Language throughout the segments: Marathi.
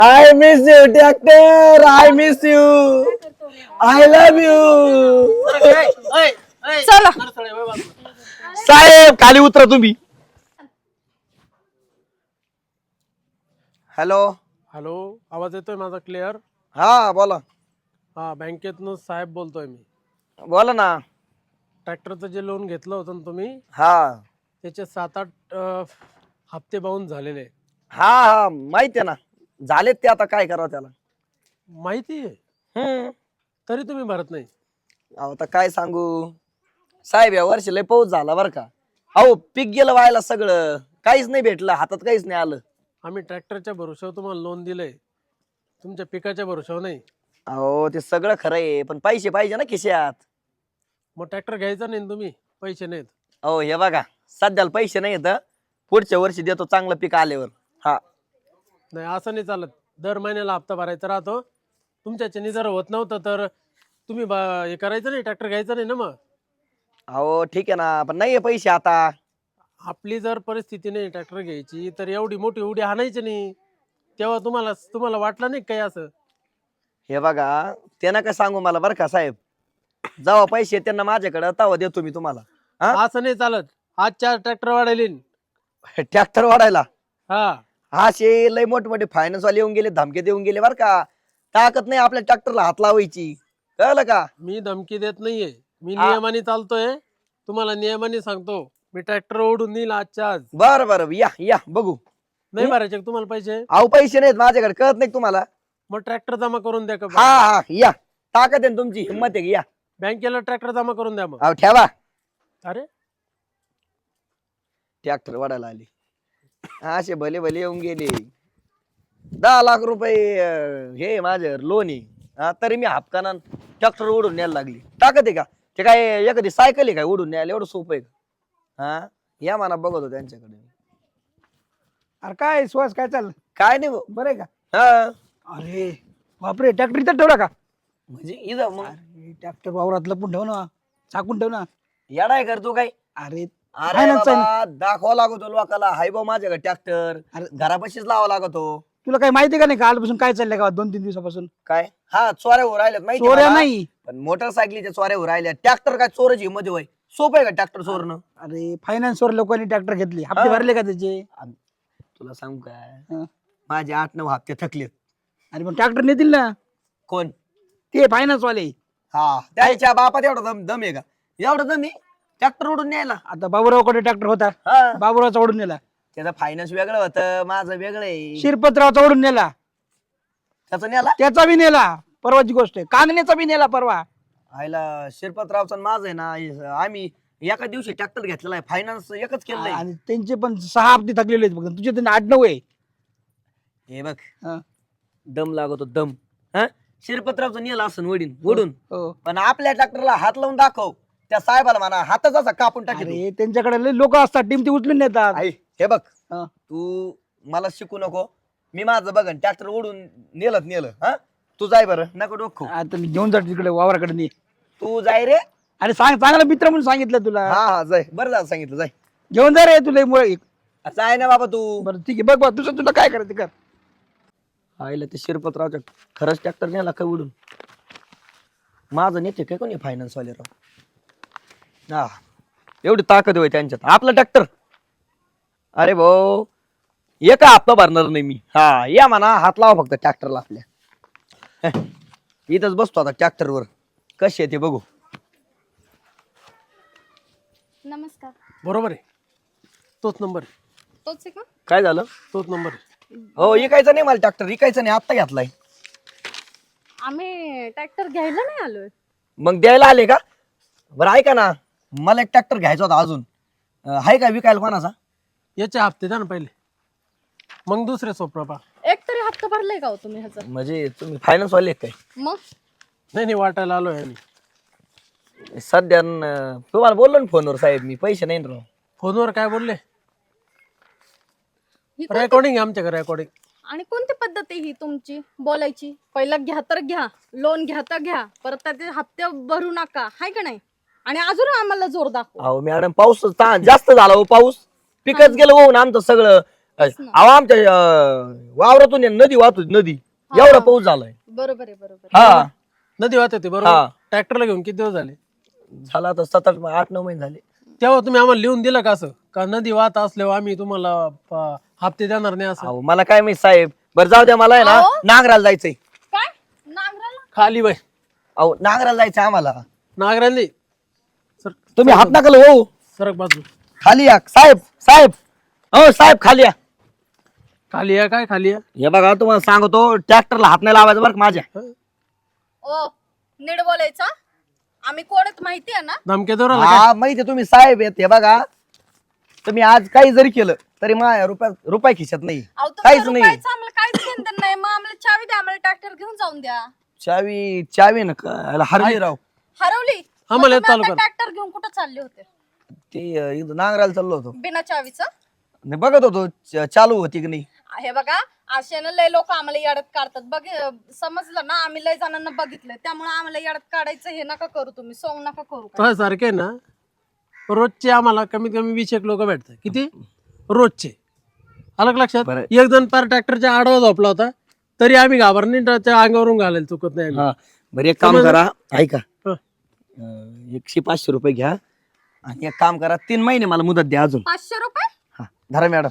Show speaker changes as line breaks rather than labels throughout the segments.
I miss you tractor, I miss you, I love you.
चला
साहेब खाली उतरा तुम्ही. हॅलो.
हॅलो, आवाज येतोय माझा क्लिअर?
हा बोला.
हा, बँकेतनं साहेब बोलतोय मी.
बोला ना.
ट्रॅक्टरचं जे लोन घेतलं होतं ना तुम्ही,
हा
त्याचे 7-8 हप्ते बाउन्स झालेले.
हा हा माहिती आहे ना. झालेत ते, आता काय करावं त्याला.
माहिती आहे, तरी तुम्ही भरत नाही.
अहो आता काय सांगू साहेब, या वर्षी लय पाऊस झाला बरं का. अहो पीक गेलं व्हायला, सगळं काहीच नाही भेटलं, हातात काहीच नाही आलं.
आम्ही ट्रॅक्टरच्या भरोश्यावर तुम्हाला लोन दिलंय, तुमच्या पिकाच्या भरोश्यावर नाही.
अहो ते सगळं खरं आहे, पण पैसे पाहिजे ना खिशात.
मग ट्रॅक्टर घ्यायचा नाही ना तुम्ही, पैसे नाहीत.
अहो हे बघा, सध्याला पैसे नाही येत, पुढच्या वर्षी देतो चांगलं पीक आल्यावर. हा
नाही, असं नाही चालत. दर महिन्याला हप्ता भरायचा राहतो. तुमच्याच्याने जर होत नव्हतं तर तुम्ही हे करायचं नाही, ट्रॅक्टर घ्यायचं नाही ना. मग
अहो ठीक आहे ना, पण नाहीये पैसे आता.
आपली जर परिस्थिती नाही ट्रॅक्टर घ्यायची, तर एवढी मोठी उडी आणायची नाही. तेव्हा तुम्हाला वाटलं नाही काही असं?
हे बघा, ते नका सांगू मला बरं का साहेब. जेव्हा पैसे त्यांना माझ्याकडे तेव्हा देतो मी तुम्हाला. हा
असं नाही चालत. आज 4 ट्रॅक्टर वाढायले.
ट्रॅक्टर वाढायला
हा,
असे लय मोठमोठे फायनान्स वाले येऊन गेले, धमके देऊन गेले बरं का. ताकद नाही आपल्या ट्रॅक्टरला हात लावायची, कळलं का.
मी धमकी देत नाहीये, मी
हा.
नियमाने चालतोय. तुम्हाला नियमाने सांगतो, मी ट्रॅक्टर ओढून नेईल आजच्या आज.
बरं बरं, या या बघू.
नाही भरायचे का तुम्हाला पैसे?
अहो पैसे नाहीत माझ्याकडे, कळत नाही तुम्हाला.
मग ट्रॅक्टर जमा करून द्या का?
हा हा या, ताकद आहे ना तुमची, हिंमत आहे की, या.
बँकेला ट्रॅक्टर जमा करून द्या मग.
अहो ठेवा.
अरे,
ट्रॅक्टर वाढायला आली, असे भले भले येऊन गेले. 10 लाख रुपये हे माझ्यावर लोन आहे. तरी मी हापकाना ट्रॅक्टर उडून न्यायला लागली. ताकद आहे का? ते काय एखादी सायकल आहे काय उडून न्यायला? एवढं सोपं आहे का? हा या म्हणा, बघतो त्यांच्याकडे.
अरे काय सुहास, काय चाललं?
काय नाही भाऊ.
बरं आहे का?
हा
अरे बापरे, ट्रॅक्टर इथं ठेवला का?
म्हणजे इथं मग
अरे ट्रॅक्टर वावरात लपून ठेव ना, चाकून ठेव ना.
येडाय करतो काय?
अरे
अरे
finance आहे
बाबा, दाखवा लागतो लोकाला, हाय भाऊ माझ्याकडे ट्रॅक्टर.
अरे.
घरापाशीच लावा लागतो.
तुला काही माहिती का नाही, कालपासून काय चाललंय का 2-3 दिवसापासून?
काय? हा चोऱ्या हो राहिल्यात माहिती
चोऱ्या
मला.
नाही.
पण मोटरसायकलीच्या चोऱ्या हो राहिल्या. ट्रॅक्टर काय चोराची हिंमत होय? सोपं आहे का ट्रॅक्टर चोरणं?
अरे फायनान्सवर लोकांनी ट्रॅक्टर घेतले, हप्ते
हा.
भरले का त्याचे?
तुला सांगू काय,
हा.
माझे 8-9 हप्ते थकलेत.
अरे मग ट्रॅक्टर नेतील ना
कोण?
ते फायनान्स वाले.
हा त्याच्या बापात एवढा दम दम आहे का? एवढा दम आहे ट्रॅक्टर उडून न्यायला?
आता बाबूरावकडे ट्रॅक्टर होता,
हा
बाबूरावचा ओढून नेला.
त्याचं फायनान्स वेगळं होतं, माझं वेगळं आहे.
शिरपतरावचा ओढून नेला,
त्याचं न्याला
त्याचा बी नेला. परवाची गोष्ट आहे, कांगण्याचा बी नेला परवा.
आयला शिरपतरावचं आणि माझं आहे ना, आम्ही एका दिवशी ट्रॅक्टर घेतलेला आहे, फायनान्स एकच केलंय.
आणि त्यांचे पण 6 हप्ते थकलेले आहेत फक्त, तुझे तर 8-9 आहे.
हे बघ,
हा.
दम लागतो दम. हा शिरपतरावचं नेला असं वडीन ओढून,
हो.
पण आपल्या ट्रॅक्टरला हात लावून दाखव. त्या साहेबाला म्हणा हातच असा कापून टाकेल.
अरे त्यांच्याकडे लोक असतात, टीम ती उचलून नेतात.
हे बघ,
हा.
तू मला शिकू नको. मी माझं बघन, ट्रॅक्टर ओढून नेलं. हा तू जाय बरं, नको डोकं.
आता मी घेऊन जातो तिकडे वावराकडे नाही.
तू जाय रे.
अरे चांगला मित्र म्हणून सांगितलं तुला.
हा हा जाय, बरं झालं सांगितलं, जाय.
घेऊन जा रे तुला मुळे.
जाय ना बाबा तू.
बरं ठीक आहे, बघ बघ तुझं तुला काय करायचं कर.
आईला ते शिरपतरावच्या खरंच ट्रॅक्टर नेला काय उडून? माझं नेते काय कोणी फायनान्स वाले राव. हा एवढी ताकद होय त्यांच्यात. आपलं ट्रॅक्टर, अरे भाऊ एका हप्ता भरणार नाही मी. हा या म्हणा, हात लावा फक्त ट्रॅक्टरला आपल्या. इथंच बसतो आता ट्रॅक्टरवर, कशी आहे ते बघू.
नमस्कार.
बरोबर आहे, तोच नंबर आहे.
तोच आहे का?
काय झालं?
तोच नंबर आहे.
हो इकायचं नाही मला ट्रॅक्टर, इकायचं नाही, आत्ता घेतलाय.
आम्ही ट्रॅक्टर घ्यायला नाही आलोय.
मग द्यायला आले का? बरं ऐका ना, मला एक ट्रॅक्टर घ्यायचा होता अजून. आहे का विकायला कोणाचा?
याचे हप्ते द्या ना पहिले, मग दुसरे सोपं पा.
एक तरी हप्ता भरलाय का हो तुम्ही ह्याचा?
म्हणजे तुम्ही फायनान्स वाले काय?
मग
नाही वाटायला आलोय आम्ही.
सध्या तुम्हाला बोललो ना फोनवर साहेब, मी पैसे नाही राव.
फोनवर काय बोलले?
ही कोणती-
रेकॉर्डिंग आहे आमच्याकडे, रेकॉर्डिंग.
आणि कोणती पद्धत आहे ही तुमची बोलायची? पहिला घ्या तर घ्या, लोन घ्या तर घ्या, परत त्याचे हप्ते भरू नका, हाय का नाही? आणि अजून आम्हाला जोर दाखव.
अहो मॅडम, पाऊस जास्त झाला हो, पाऊस पिकच गेलं होऊन आमचं सगळं. अहो आमच्या वावरातून नदी वाहतो नदी एवढा पाऊस झालाय.
बरोबर आहे, बरोबर
हा
नदी वाहत होती
हा.
बरोबर. ट्रॅक्टरला घेऊन किती दिवस झाले?
झाला आता 7-8-9 महिने झाले.
तेव्हा तुम्ही आम्हाला लिहून दिलं का असं का नदी वाहत असल्यावर आम्ही तुम्हाला हप्ते देणार नाही असं?
अहो मला काय माहित साहेब. बरं जाऊ द्या, मला आहे ना
अहो.
नागराला जायचंय.
काय नांगराला?
खाली बाई
अहो नागराला जायचंय आम्हाला.
नागरांनी सर
तुम्ही हात नका हो.
सरक बाजू.
खाली या साहेब. साहेब हो साहेब खाली या.
खाली या काय खाली या?
हे बघा तुम्हाला सांगतो ट्रॅक्टरला हात नाही लावायचा बरं का माझ्या.
ओ नीट बोलायचं. आम्ही कोण आहेत माहिती आहे ना?
धमके देऊ राहिला काय?
हा माहिती तुम्ही साहेब आहेत. हे बघा तुम्ही आज काही जरी केलं तरी माझ्या रुपया खिशात नाही.
अहो, तुमच्या
काहीच नाही.
रुपयाचं आम्हाला काहीच घेणं नाही. मग आम्हाला चावी द्या, आम्हाला ट्रॅक्टर घेऊन जाऊन द्या.
चावी ना हरली राव.
हरवली?
आम्हाला चालू कर.
ट्रॅक्टर घेऊन कुठं चालले होते?
ते इथं नांगराला चाललो होतो.
बिना चावीचं?
नाही बघत होतो चालू होती की नाही.
हे बघा असे ना लय लोक आम्हाला येड्यात काढतात. समजलं ना, आम्ही लय जणांना बघितलंय, त्यामुळे आम्हाला येड्यात काढायचं हे नका करू. तुम्ही सोंग नका करू काय.
तो सारखे ना रोजचे आम्हाला कमीत कमी 20 लोक भेटतात. किती रोजचे? अलग लक्षात.
बरं.
एक जण पार ट्रॅक्टरच्या आडवा झोपला होता तरी आम्ही घाबरणी त्याच्या अंगावरून घालायला चुकत नाही आम्ही.
हा बरं एक काम
समजलं?
करा ऐका.
हं.
100-500 रुपये घ्या आणि एक काम करा 3 महिने मला मुदत द्या अजून.
500 रुपये?
हा धरा मॅडम.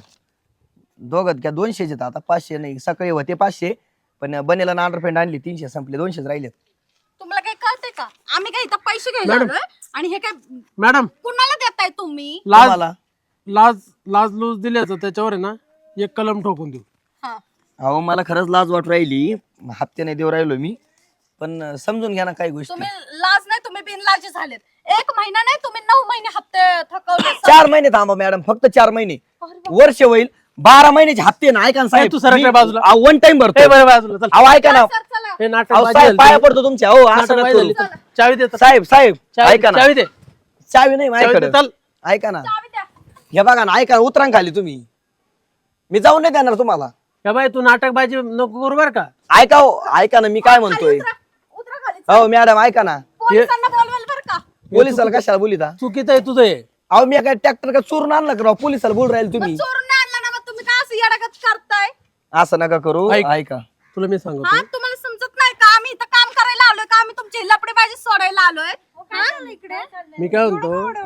दोघत घ्या. 200 आता 500 नाही. सकाळी होते 500 पण बनेला ना अंडरपेंट आणली 300 संपले 200 राहिले.
तुम्हाला काही कळतंय का? आम्ही काय इथं पैसे घ्यायला
मॅडम.
आलोय? आणि हे काय
मॅडम
कुणाला देताय तुम्ही?
लाज
तुम्हाला
लाज लूज दिल्याचं त्याच्यावर आहे ना एक कलम ठोकून देऊ.
हा
अहो मला खरंच लाज वाट राहिली. हप्ते नाही देऊ राहिलो मी पण समजून घ्या ना काही गोष्टी.
तुम्ही लाज नाही, तुम्ही बिनलाजी झालेत. 1 महिना नाही, तुम्ही 9 महिने हप्ते थकवले.
4 महिने थांबा मॅडम. फक्त 4 महिने. वर्ष होईल. 12 महिन्याचे हप्ते ना ऐका ना साहेब.
तू सरक रे बाजूला.
वन टाइम भरतो.
ए बरं बाजूला चल.
अहो ऐका ना.
सर, चला.
हे नाटक
अहो
बाजी
साहेब
झाली.
पाया पडतो तुमच्या. हो असं
नाटक
नका
बाजी
करू.
झाली. चावी दे.
साहेब साहेब ऐका ना.
चावी दे.
चावी नाही
चावी दे,
माझ्याकडे.
चल.
ऐका ना.
चावी द्या.
हे बघा ना ऐका ना. उतरा ना खाली तुम्ही. मी जाऊन नाही देणार तुम्हाला.
या बाई तू नाटक बाजी नको करू बर का.
ऐका हो ऐका ना मी काय म्हणतोय.
उतरा खाली.
हो मॅडम ऐका ना.
पोलिसांना बोलवाल बरं का?
पोलिसाला कशाला बोलिता.
चुकीचं आहे तुझं हे.
अहो मी काय ट्रॅक्टर का चोरून आणलं का राव. पोलिसाला बोल राहील तुम्ही.
चोरून नाही आणला ना, मग तुम्ही काय असं येडागत करताय?
असं नका करू.
ऐक.
ऐका
तुला मी सांगतो
हा तुम्हाला समजत नाही का? आम्ही इथं काम करायला आलोय का? आम्ही तुमची लपडेबाजी सोडायला आलोय? हा?
मी काय म्हणतो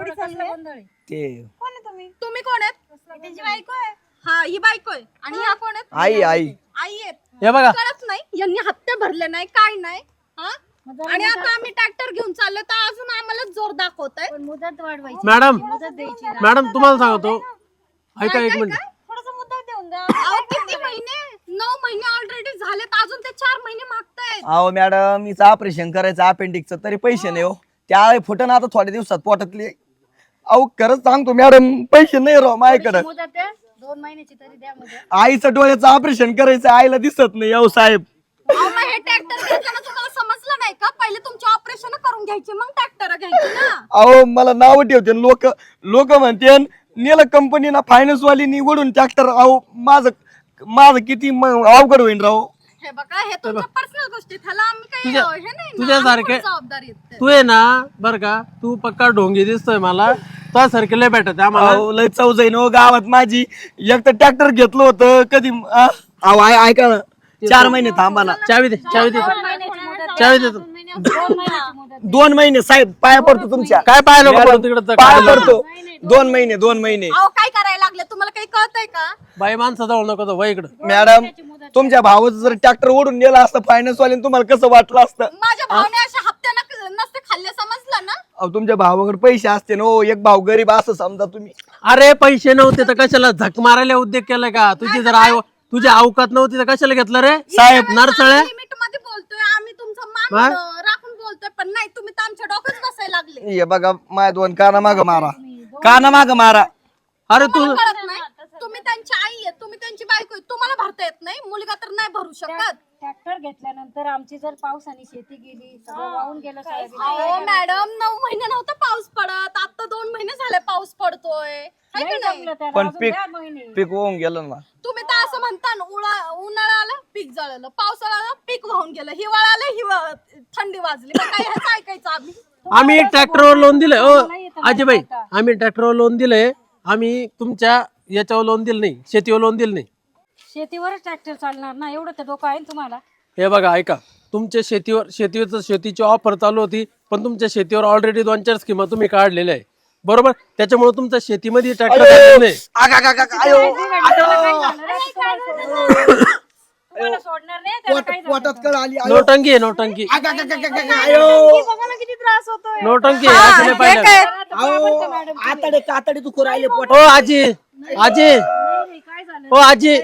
ते
तुम्ही कोण आहेत? त्यांची बायको आहे. हा ही बायको आहे. आणि ह्या कोण आहेत?
आई आई
आई आहेत.
हे बघा
कळत नाही यांनी हप्ते भरले नाही काय नाही. हा आणि आता आम्ही ट्रॅक्टर घेऊन चाललो तर अजून आम्हाला जोर दाखवताय.
मुदत वाढवायची.
मॅडम
मुदत द्यायची.
मॅडम तुम्हाला सांगतो ऐका एक मिनिट.
थोडस मुदत देऊन द्या.
अहो, किती महिने? 9 महिने ऑलरेडी झालेत. अजून ते 4 महिने मागतायत.
अहो मॅडम हिचं ऑपरेशन करायचं अपेंडिक्सचं तरी पैसे नाही हो. त्या फुटन आता थोड्या दिवसात पोटातले. अहो खरंच सांगतो मॅडम पैसे नाही राव माझ्याकडे.
मुदत द्या. 2 महिन्याची तरी द्या मुदत.
आईचं डोळ्याचं ऑपरेशन करायचं आईला दिसत नाही. अहो साहेब
अहो, मग हे ट्रॅक्टर घेताना तुम्हाला समजलं नाही का? पहिले तुमची ऑपरेशन करून घ्यायची मग ट्रॅक्टर घ्यायची ना.
अहो मला नाव ठेवते लोक. लोक म्हणते नेलं कंपनीना फायनान्स वाली वडून ट्रॅक्टर. अहो माझं किती अवघड होईन राव.
हे बघा हे तुमच्या पर्सनल गोष्टी. त्याला आम्ही काही
तुझ्या-
हे नाही ना,
तुझ्यासारखे-
आम्ही पण जबाबदारी आहेत ते.
तू आहे ना बर का तू पक्का ढोंगी दिसतोय मला. तो सारखे लय भेटत आम्हाला.
अहो लय चव जाईन हो गावात माझी. एक तर ट्रॅक्टर घेतलं होतं कधी. अहो ऐका ना 4 महिने थांबा ना.
चावी दे. चावी दे.
2 महिन्याची मुदत.
चावी देतो.
2 महिन्याची मुदत.
2 महिने साहेब पाया पडतो तुमच्या.
काय पाहिलं
मॅडम,
तिकडे
पाया पडतो. 2 महिने 2 महिने.
अहो काय करायला लागले तुम्हाला काही कळतंय का?
बाई माणसं जवळ नको तो वय इकडं.
मॅडम तुमच्या भावाचं जर ट्रॅक्टर ओढून नेला असतं फायनान्स वाल्याने तुम्हाला कसं वाटलं असतं.
माझ्या भावने अशा हप्ते नसते खाल्ले समजलं ना.
अहो तुमच्या भावाकडे पैसे असते ना हो. एक भाव गरीब असं समजा तुम्ही.
अरे पैसे नव्हते तर कशाला झक मारायला उद्योग केलाय का? तुझी अवकात नव्हती तर कशाला घेतलं रे साहेब नरसळे?
लिमिट मध्ये बोलतोय आम्ही तुमचं मान राखून बोलतोय पण नाही तुम्ही तर आमच्या डोक्यात बसायला लागले.
हे बघा माझ्या 2 काना माग मारा. काना माग मारा.
अरे तू
तुम्हाला कळत नाही. तुम्ही त्यांची आई आहे, तुम्ही त्यांची बायको आहे. तुम्हाला भरता येत नाही. मुलगा तर नाही भरू शकत.
ट्रॅक्टर घेतल्यानंतर आमची जर पावसाने शेती गेली सगळं वाहून गेलं सोयाबीन.
अहो मॅडम 9 महिने नव्हता पाऊस पडत. आता 2 महिने झाले पाऊस पडतोय. है का
नाही
नाही?
जमलं त्याला,
पण
अजून
पीक
द्या महिने.
पीक होऊन गेलं ना.
तुम्ही तर असं म्हणता ना, उन्हाळा आला पीक जळलं, पावसाळा आला पीक वाहून गेलं, हिवाळा आला थंडी वाजली. मग काय ह्याचं ऐकायचं आम्ही?
आम्ही ट्रॅक्टरवर लोन दिलंय. ओ आजीबाई आम्ही ट्रॅक्टरवर लोन दिलंय. आम्ही तुमच्या याच्यावर लोन दिलं नाही, शेतीवर लोन दिलं नाही.
शेतीवरच ट्रॅक्टर चालणार ना, एवढं तर डोकं आहे ना तुम्हाला.
हे बघा ऐका, तुमच्या शेतीची ऑफर चालू होती, पण तुमच्या शेतीवर ऑलरेडी 2-4 स्कीमा तुम्ही काढलेल्या आहे, बरोबर. त्याच्यामुळे तुमच्या शेतीमध्ये ट्रॅक्टर नाही.
तुम्हाला सोडणार नाही, त्याला काय झालं?
पोटात कळ आली
नोटंकी आहे, नोटंकी,
बघा ना किती त्रास होतोय.
नोटंकी आहे, असं नाही
हे
पाहिलं.
काय?
आतडे कातडे तू राहिले पोट
हो आजी, आजी, हो आजी,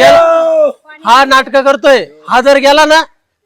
हा नाटक करतोय. हा जर गेला ना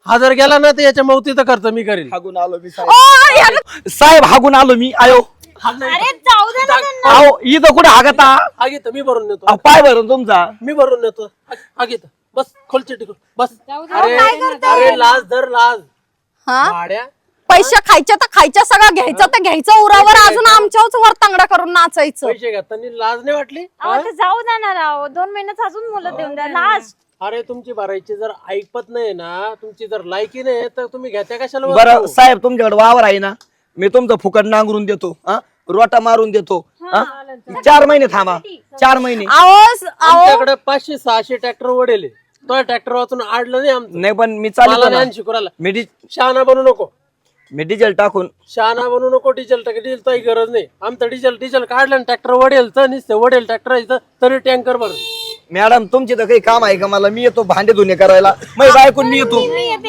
तर याच्या मौतीचं खर्च मी करील.
हागून आलो मी
ओ, यार-
साहेब हागून आलो मी आयो
अरे जाऊ दे ना त्यांना.
अहो इथं कुठे हागता
हा घेत मी भरून नेतो,
पाय भरून तुमचा
मी भरून नेतो. हा घेत बस, खोलचे टिकून बस.
जाऊ दे.
अरे लाज धर, लाज.
हा
भाड्या
पैसे खायचे तर खायच्या, सगळं घ्यायचं तर घ्यायचं उरावर, अजून आमच्याच वर तांगडा करून नाचायचं.
पैसे घेताना लाज नाही वाटली?
जाऊ दे ना राव, 2 महिन्यात अजून मुलं देऊन द्या लास्ट.
अरे तुमची भरायची जर ऐकत नाही ना, तुमची जर लायकी नाही तर तुम्ही घेत्या कशाला वस्तू?
बरं साहेब तुमच्याकडे वावर आहे ना, मी तुमचं फुकट नांगरून देतो हा, रोटा मारून देतो हा. 4 महिने थांबा, 4 महिने.
आमच्याकडे 500-600 ट्रॅक्टर वडेल, तो ट्रॅक्टर वाचून आडलं नाही आमचं.
नाही पण मी
मला
चालू
ज्ञान शिकवायला.
मी
शहाणा बनू नको,
डिझेल टाकून
शहाणा बनू नको. डिझेल काही गरज नाही. आमचं डिझेल काढलं आणि ट्रॅक्टर वडेल तर नुसतं वडेल ट्रॅक्टर तरी टँकर भर.
मॅडम तुमची तर काही काम आहे का? मला मी येतो भांडे धुणे करायला, मग बायकून मी येतो.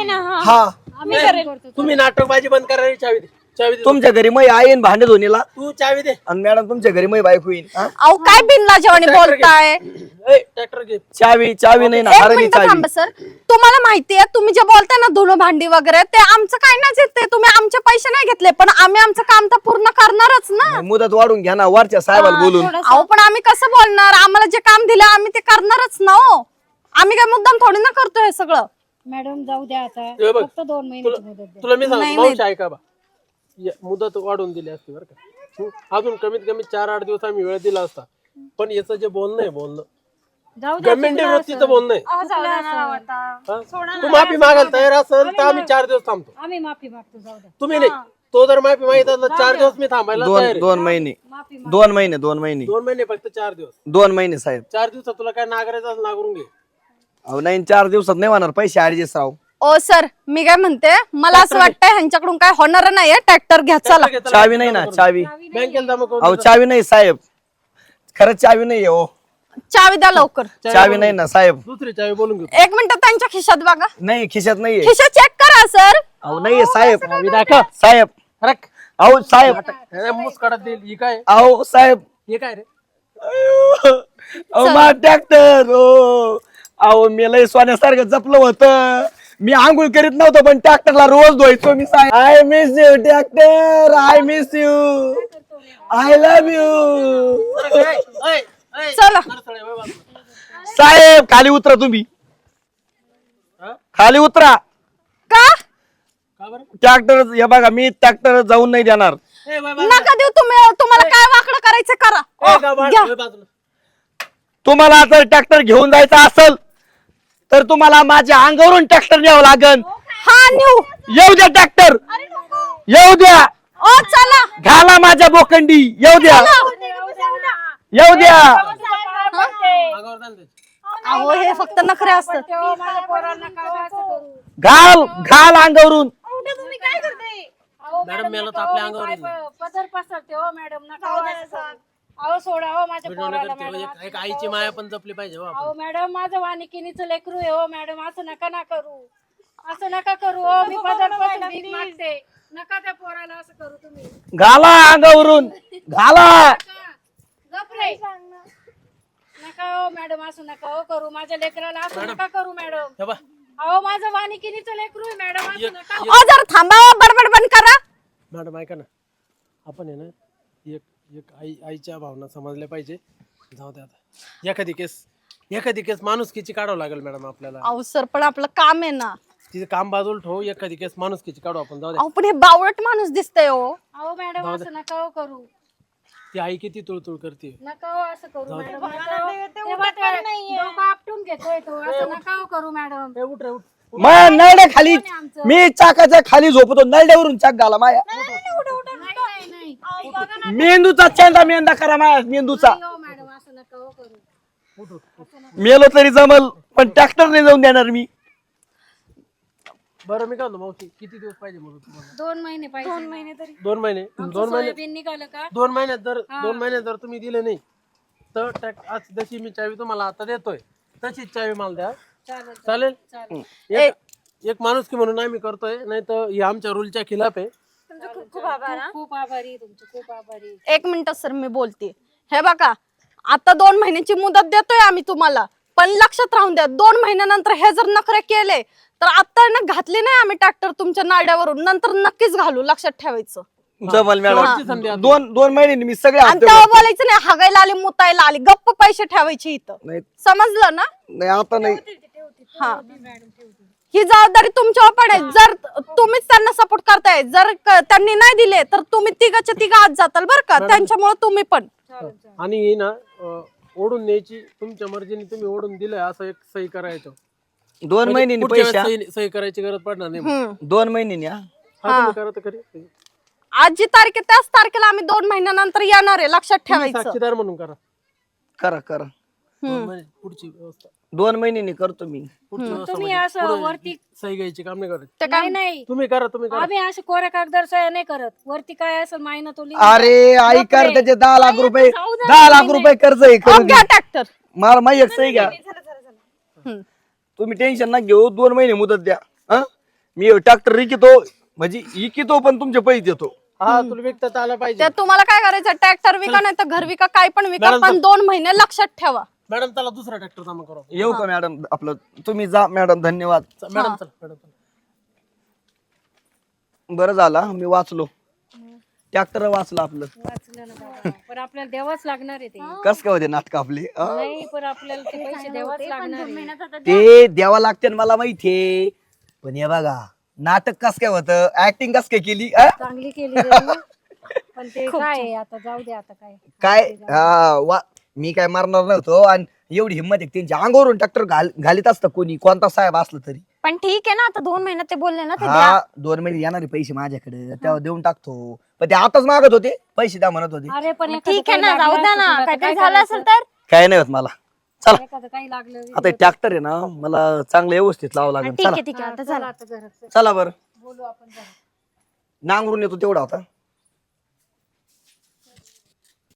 हा
तुम्ही नाटकबाजी बंद करायला चावी दे, चावी दे.
तुमच्या घरी मै येईन भांडे धुणीला,
तू चावी दे.
आणि मॅडम तुमच्या घरी मै बायको येईन हा?
अहो काय बिनला जेवणी बोलताय.
ट्रॅक्टर घे.
चावी नाही ना,
एक
हरणी
मिनिट
चावी.
थांबा सर, तुम्हाला माहितीये तुम्ही जे बोलताय ना धुणं भांडी वगैरे, ते आमचं काय नाही येते. तुम्ही आमचे पैसे नाही घेतले, पण आम्ही आमचं काम तर पूर्ण करणारच ना.
मुदत वाढून घ्या ना वरच्या साहेबाला बोलून.
अहो पण आम्ही कसं बोलणार? आम्हाला जे काम दिलं आम्ही ते करणारच ना हो. आम्ही काय मुद्दाम थोडी ना करतोय हे सगळं.
मॅडम जाऊ द्या आता,
हे बघ,
फक्त 2 महिन्याची मुदत द्या.
तुला मी
नाही,
सांगतो मावशी, ऐका बा, मुदत वाढवून दिली असती बरं का. अजून कमीत कमी 4-8 दिवस आम्ही वेळ दिला असता. पण याचं जे बोलणं आहे, बोलणं
जाऊ द्या.
गव्हर्नमेंट वृत्तीचं बोलणं आहे.
चुकलं असं.
हा? तू माफी मागायला तयार असेल तर आम्ही 4 दिवस थांबतो.
आम्ही माफी मागतो, जाऊ द्या.
तुम्ही नाही. तो जर माफी मागित असला 4 दिवस मी थांबायला तयार आहे.
2 महिने
माफी
2 महिने 2 महिने
2 महिने फक्त 4 दिवस.
2 महिने साहेब.
4 दिवसात तुला काय नागरायचं असं नागरून घे.
अहो नाही 4 दिवसात नाही होणार, पैसे ऍडजस्ट राव.
ओ सर मी काय म्हणते, मला असं वाटतंय ह्यांच्याकडून काय होणार नाहीये. ट्रॅक्टर घ्या चला.
चावी नाही ना, चावी.
बँकेला जमा करून
अहो चावी नाही साहेब, खरंच चावी नाही हो.
चावी द्या लवकर.
चावी नाही ना साहेब.
दुसरी चावी बोलून घेऊ.
1 मिनिट त्यांच्या खिशात बघा.
नाही खिशात नाहीये.
खिशा चेक करा सर.
अहो नाहीये साहेब.
चावी दाखव.
साहेब
रख.
अहो साहेब.
मुस्काडात देईल. ही काय?
अहो साहेब.
हे काय रे?
अहो मा ट्रॅक्टर हो. अहो मी लय सोन्यासारखं जपलं होतं. मी आंघोळ करीत नव्हतो, पण ट्रॅक्टरला रोज धुवायचो मी. I miss you tractor, I miss you, I love you.
चला
साहेब खाली उतरा तुम्ही, खाली उतरा.
का
ट्रॅक्टर हे बघा, मी ट्रॅक्टर जाऊन नाही देणार.
नका देऊ तुम्ही. तुम्हाला काय वाकडं करायचं करा. घ्या.
तुम्हाला जर ट्रॅक्टर घेऊन जायचा असेल तर तुम्हाला माझ्या अंगावरून ट्रॅक्टर न्यावं लागेल.
हा न्यू.
येऊ द्या ट्रॅक्टर, येऊ द्या.
ओ चला.
घाला माझ्या बोकंडी, येऊ द्या, येऊ द्या.
अहो हे फक्त नखरे असतात.
माझ्या पोरांना काय असं करू.
घाल घाल अंगावरून.
तुम्ही काय करते?
मॅडम मेला तर आपल्या अंगावर येईल.
पदर पसरते हो मॅडम, नका. अहो सोडा हो माझ्या पोराला मॅडम.
एक आईची माया पण जपली पाहिजे हो आपण.
अहो मॅडम माझं वानिकिनीचं लेकरू आहे हो मॅडम, असं नका ना करू, असं नका करू हो. मी पदरपासून भीक मागते, नका त्या पोराला असं करू तुम्ही.
घाला अंगावरून, घाला.
गप रे. नका हो मॅडम, असं नका हो करू माझ्या लेकराला, असं नका करू मॅडम.
हे बघ,
अहो माझं वानिकिनीचं लेकरू आहे मॅडम, असं नका.
ओ जर थांबा, बडबड बंद करा.
मॅडम ऐका ना, आपण आहे ना एक एक आईच्या भावना समजल्या पाहिजे. जाऊ द्या आता. एखादी केस माणुसकीची काढावं लागेल मॅडम आपल्याला.
अहो सर पण आपलं काम आहे ना.
तिथे काम बाजूला ठेवू, एखादी केस माणुसकीची काढू आपण. जाऊ द्या.
अहो पण हे बावळट माणूस दिसतंय हो.
अहो मॅडम असं नका हो करू,
ती आई किती तुळतुळ करते.
नका हो असं करू मॅडम. डोकं आपटून घेतोय तो, असं नका हो करू मॅडम.
उठ रे उठ.
मग नळड्या खाली, मी चाकाच्या खाली झोपतो, नळड्यावरून चाक घाला माया.
नाही
मेंदूचा चेंडा मेंदा करा माया मेंदूचा.
हो मॅडम, असं नका हो करू.
मेलो तरी जमल पण ट्रॅक्टर नाही जाऊन देणार मी.
बरं मी काय म्हणतो मावशी, किती दिवस पाहिजे म्हणून तुम्हाला?
2 महिने पाहिजे 2 महिने तरी
2 महिने.
आमचं सोयाबीन निघालं का
2 महिन्यात जर तुम्ही दिले नाही तर आज जशी मी चावी तुम्हाला आता देतोय तशीच चावी मला द्या.
चालेल
चालेल?
चालेल
एक माणूस की म्हणून आम्ही करतोय, नाही तर हे आमच्या रूलच्या खिलाफ आहे.
खूप आभारी तुमचे, खूप आभारी.
1 मिनिट सर मी बोलते. हे बघा आता 2 महिन्याची मुदत देतोय आम्ही तुम्हाला, पण लक्षात राहून द्या 2 महिन्यानंतर हे जर नखरे केले तर आता ना घातली नाही आम्ही ट्रॅक्टर तुमच्या नाड्यावरून, नंतर नक्कीच घालू, लक्षात ठेवायचं.
जमल
शेवटची संधी
मॅडम.
आता.
दोन महिने मी सगळे
आणि
हप्ते
तेव्हा
भरतो.
बोलायचं नाही हागायला आली मुतायला आली, गप्प पैसे ठेवायचे इथं,
नाही
समजलं ना?
नाही आता नाही.
हा ही जबाबदारी तुमच्यावर पडेल. जर तुम्हीच त्यांना सपोर्ट करताय, जर त्यांनी नाही दिले तर तुम्ही तिघाच्या तिघा आत जाताल बरं का, त्यांच्यामुळे तुम्ही पण.
आणि ही ना ओढून न्यायची तुमच्या मर्जीने, तुम्ही ओढून दिलंय असं एक सही करायचं.
2 महिन्यांनी
पुढच्या
पैसे
वेळेस सही करायची गरज पडणार नाही.
हम्म.
2 महिन्यांनी हा.
हा, तुम्ही करा तर खरी.
आज जी तारीख आहे त्याच तारखेला आम्ही 2 महिन्यानंतर येणार आहे, लक्षात
तुम्ही
ठेवायचं.
साक्षीदार म्हणून करा.
करा करा.
पुढची व्यवस्था
2 महिन्यांनी करतो मी.
पुढची व्यवस्था
तुम्ही
म्हणजे
असं
पुढे
वरती
सही घ्यायची काम नाही करायचं.
ते काय
नाही
तुम्ही करा.
आम्ही असे कोऱ्या कागदार सह्या नाही करत. वरती काय असेल माहिना तो
अरे आई कर
बापरे.
त्याचे 10 लाख रुपये,
जाऊ दे.
10 लाख रुपये कर्ज आहे.
अहो, घ्या ट्रॅक्टर.
मला माहिती एक सही घ्या. तुम्ही टेन्शन ना घेऊ. 2 महिने मुदत द्या. हा मी ट्रॅक्टर इकितो, म्हणजे इकितो पण तुमचे पैसे देतो.
हा तुला व्यक्त आला पाहिजे.
ते तुम्हाला काय करायचं, ट्रॅक्टर विका नाही तर घर विका, काय पण विका,
मॅडम,
पण 2 महिने लक्षात ठेवा.
मॅडम चला दुसरा ट्रॅक्टर जमा करू.
येऊ का मॅडम? आपलं तुम्ही जा मॅडम. धन्यवाद.
मॅडम चला.
बरं झालं मी वाचलो. ट्रॅक्टर वाचलं आपलं.
वाचलं ना बाबा. पण आपल्याला द्यावाच लागणार आहे ते.
कस काय होते नाटक आपले हा?
नाही पण आपल्याला ते पैसे द्यावाच लागणार आहे.
ते द्यावा लागते ना मला माहितीये, पण हे बघा नाटक कस काय होतं, ऍक्टिंग कस काय केली हा?
चांगली केली रे. पण ते काय आहे, आता जाऊ दे. आता
काय मी काय मारणार नव्हतो. आणि एवढी हिंमत आहे त्यांच्या अंगावरून ट्रॅक्टर घालीत असतं कोणी, कोणता साहेब असलं तरी.
पण ठीक आहे ना, आता 2 महिन्यात ते बोलले ना, ते
हा 2 महिने येणारे पैसे माझ्याकडे, तेव्हा देऊन टाकतो. पण ते आताच मागत होते पैसे, द्या म्हणत होते.
अरे पण एखादं
ठीक आहे
काही
ना, जाऊ
लागलं
द्या
असेल
ना,
तुला तर
काहीतरी
काय
झालं
करायचं?
असेल तर.
काय नाही होत मला. चला
एखादं काही लागलं
आता ट्रॅक्टर आहे ना, मला चांगलं व्यवस्थित लावावं लागेल.
ठीक
चला
आहे ठीक आहे, आता
चला
चला.
आता घरात
चला बरं.
बोलू आपण घरात.
नांगरून येतो तेवढा होता.